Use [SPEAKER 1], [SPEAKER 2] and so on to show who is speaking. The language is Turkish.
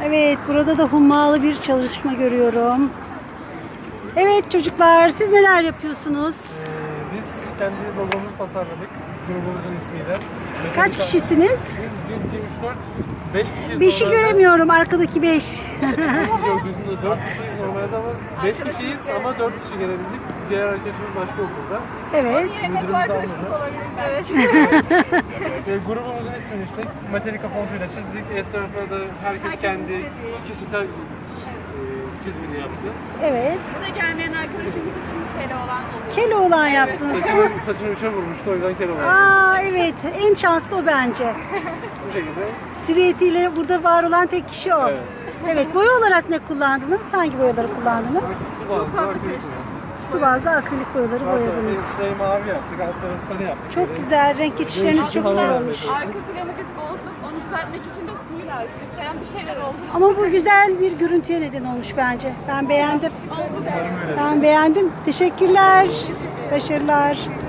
[SPEAKER 1] Evet, burada da hummalı bir çalışma görüyorum. Evet çocuklar, siz neler yapıyorsunuz?
[SPEAKER 2] Biz kendi logomuzu tasarladık. Grubumuzun ismiyle.
[SPEAKER 1] Kaç kişisiniz?
[SPEAKER 2] Biz 1, 2, 3, 4, 5 kişiyiz.
[SPEAKER 1] Bir şey
[SPEAKER 2] normalde.
[SPEAKER 1] göremiyorum, arkadaki 5.
[SPEAKER 2] Yok, biz de 4 kişiyiz normalde ama 5 kişiyiz ama 4 kişi gelebildik. Diğer arkadaşımız başka okulda.
[SPEAKER 1] Evet.
[SPEAKER 2] Müdürümüz almadı.
[SPEAKER 3] Evet.
[SPEAKER 2] Grubumuzun ismini işte Metallica fontuyla çizdik. Etrafına da herkes kendi kişisel çizimini yaptı.
[SPEAKER 1] Evet.
[SPEAKER 3] Buraya gelmeyen arkadaşımız için kele olan oluyor.
[SPEAKER 1] Keloğlan yaptınız.
[SPEAKER 2] Saçını üçe vurmuştu, o yüzden kere var.
[SPEAKER 1] Aa evet, en şanslı o bence.
[SPEAKER 2] Bu şekilde.
[SPEAKER 1] Silüetiyle burada var olan tek kişi o.
[SPEAKER 2] Evet.
[SPEAKER 1] Evet, boya olarak ne kullandınız? Hangi boyaları kullandınız?
[SPEAKER 2] Çok
[SPEAKER 3] fazla karıştı.
[SPEAKER 1] Su bazlı akrilik boyaları boyadınız.
[SPEAKER 2] Şey mavi yaptık, altları sarı yaptık.
[SPEAKER 1] Çok güzel, renk geçişleriniz çok güzel olmuş.
[SPEAKER 3] Arka planı biz bozduk. Onu düzeltmek için de suyla açtık. Falan bir şeyler oldu.
[SPEAKER 1] Ama bu güzel bir görüntüye neden olmuş bence. Ben beğendim.
[SPEAKER 3] Oldu.
[SPEAKER 1] Ben beğendim. Teşekkürler. Başarılar.